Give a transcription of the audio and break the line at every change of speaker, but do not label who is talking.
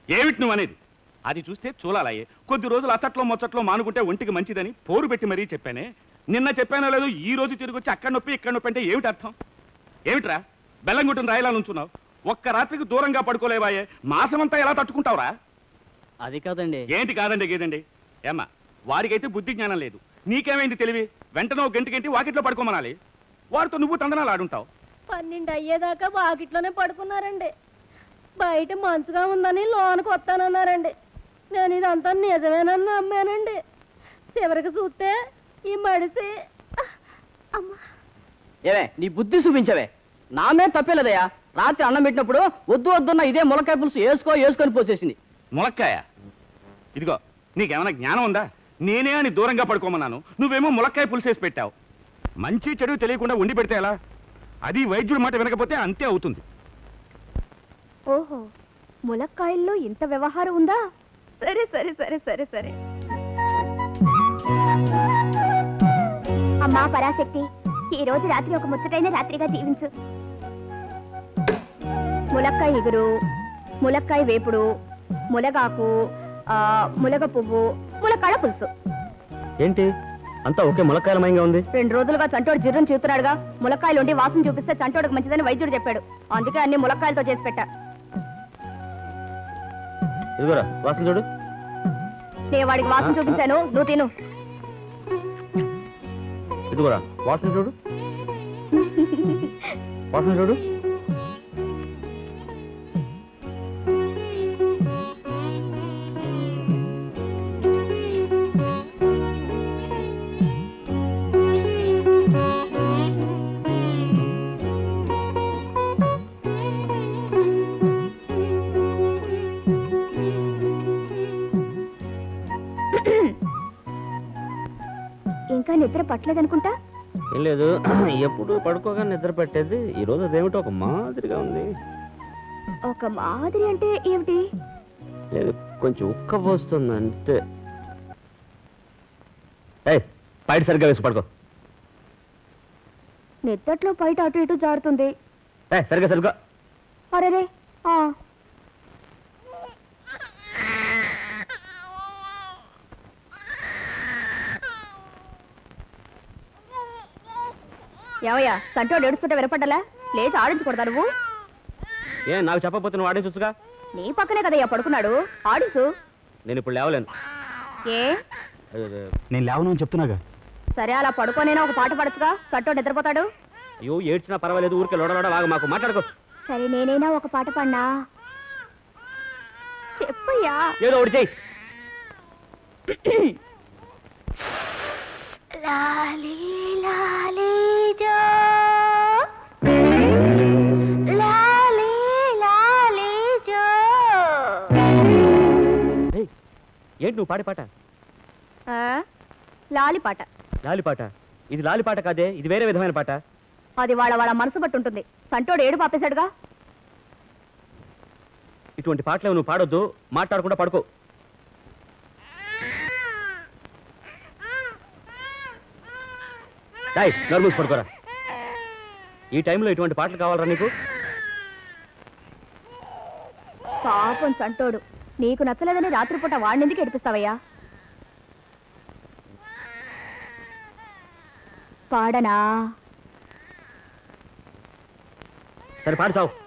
ఏమిటి నువ్వు అనేది? అది చూస్తే చూలాలయ్యే. కొద్ది రోజులు అచ్చట్లో మొచ్చట్లో మానుకుంటే ఒంటికి మంచిదని పోరు పెట్టి మరీ చెప్పానే. నిన్న చెప్పానో లేదు, ఈ రోజు తిరిగి వచ్చి అక్కడ నొప్పి ఇక్కడ నొప్పి అంటే ఏమిటి అర్థం? ఏమిట్రా బెల్లం కొట్టిన రాయిలా నుంచున్నావు? ఒక్క రాత్రికి దూరంగా పడుకోలేవాయే, మాసమంతా ఎలా తట్టుకుంటావురా?
అది కాదండి.
ఏంటి కాదండి గేదండి? ఏమ్మా, వాడికైతే బుద్ధి జ్ఞానం లేదు, నీకేమైంది తెలివి? వెంటనే ఒక గంటకి వాకిట్లో పడుకోమనాలి. వాడితో నువ్వు తందనాలు ఆడుంటావు.
12 అయ్యేదాకా వాకిట్లోనే పడుకున్నారండి. బయట మంచుగా ఉందని లోనికి వస్తానన్నారండి. నేను ఇదంతా నిజమేనని నమ్మానండి. చివరికి చూస్తే ఈ మడిసి అమ్మా.
ఏవే నీ బుద్ధి చూపించవే. నామే తప్పేలేదయ్యా. రాత్రి అన్నం పెట్టినప్పుడు వద్దు వద్దున్న ఇదే ములక్కాయ పులుసు వేసుకొని పోసేసింది.
ములక్కాయ? ఇదిగో, నీకేమైనా జ్ఞానం ఉందా? నేనే అని దూరంగా పడుకోమన్నాను, నువ్వేమో ములక్కాయ పులుసేసి పెట్టావు. మంచి చెడు తెలియకుండా ఉండి పెడితే ఎలా? అది వైద్యుడి మాట వినకపోతే అంతే అవుతుంది.
ఓహో, ములక్కాయల్లో ఇంత వ్యవహారం ఉందా? సరే సరే సరే సరే సరే.
అమ్మా పరాశక్తి, ఈ రోజు రాత్రి ఒక ముచ్చటైన రాత్రిగా దీవించు. ములక్కాయ ఇగురు, ములక్కాయ వేపుడు, ములగాకు, ములగ పువ్వు, ములక్కాడ పులుసు.
ఏంటి అంతా ఒకే ములక్కాయలమయంగా ఉంది?
2 రోజులుగా చంటోడు జిర్రం చూస్తున్నాడుగా. ములక్కాయలు ఉండి వాసన చూపిస్తే చంటోడుకు మంచిదని వైద్యుడు చెప్పాడు. అందుకే అన్ని ములక్కాయలతో చేసి పెట్టా.
ఇదిగోరా వాసన చూడు.
నేను వాడికి వాసన చూపించాను, నువ్వు తిను.
ఇదిగోరా వాసన చూడు. వాసన చూడు.
ఇంకా నిద్ర పట్టలేదనుకుంటా.
ఏం లేదు, ఎప్పుడు పడుకోగా నిద్ర పెట్టేది. ఈ రోజు అదేమిటో ఒక మాదిరిగా ఉంది.
ఒక మాదిరి అంటే ఏమిటి?
లేదు, కొంచెం ఉక్క పోస్తుంది అంటే. బయట సరిగ్గా వేసి పడుకో.
నిద్దట్లో బయట అటు ఇటు జారుతుంది.
సరిగ్గా సరిగ్గా.
అరేరే.
ఏమయ్యా, చంటోడు ఏడుస్తుంటే వినపడ్డలా? లేచి ఆడించకూడదా నువ్వు?
నాకు చెప్పకపోతే నువ్వు ఆడించొచ్చుగా.
నీ పక్కనే కదయ్యా పడుకున్నాడు, ఆడించు.
నేను ఇప్పుడు లేవలేను.
ఏ?
నేను లేవను అని చెప్తున్నాగా.
సరే, అలా పడుకోనైనా ఒక పాట పడచ్చుగా, చంటోడు నిద్రపోతాడు.
అయ్యో, ఏడ్చినా పర్వాలేదు, ఊరికే లోడలోడ వాగు, మాకు మాట్లాడుకో.
సరే, నేనైనా ఒక పాట పాడినా?
చెప్పయ్యా.
ఏదో ఒకటి చెయ్యి.
లాలీ లాలీ జో, లాలీ లాలీ జో.
ఏంటి నువ్వు పాడే పాట?
లాలి పాట.
లాలి పాట? ఇది లాలి పాట కాదే, ఇది వేరే విధమైన పాట.
అది వాళ్ళ మనసు బట్టి ఉంటుంది. చంటోడు ఏడు పాపేశాడుగా.
ఇటువంటి పాటలు నువ్వు పాడొద్దు, మాట్లాడకుండా పడుకో. నర్మూసి పడుకోరా. ఈ టైంలో ఇటువంటి పాటలు కావాలరా నీకు?
పాపం చంటోడు, నీకు నచ్చలేదని రాత్రిపూట వాడినెందుకు ఏడిపిస్తావయ్యా? పాడనా?
సరే పాడు చావు.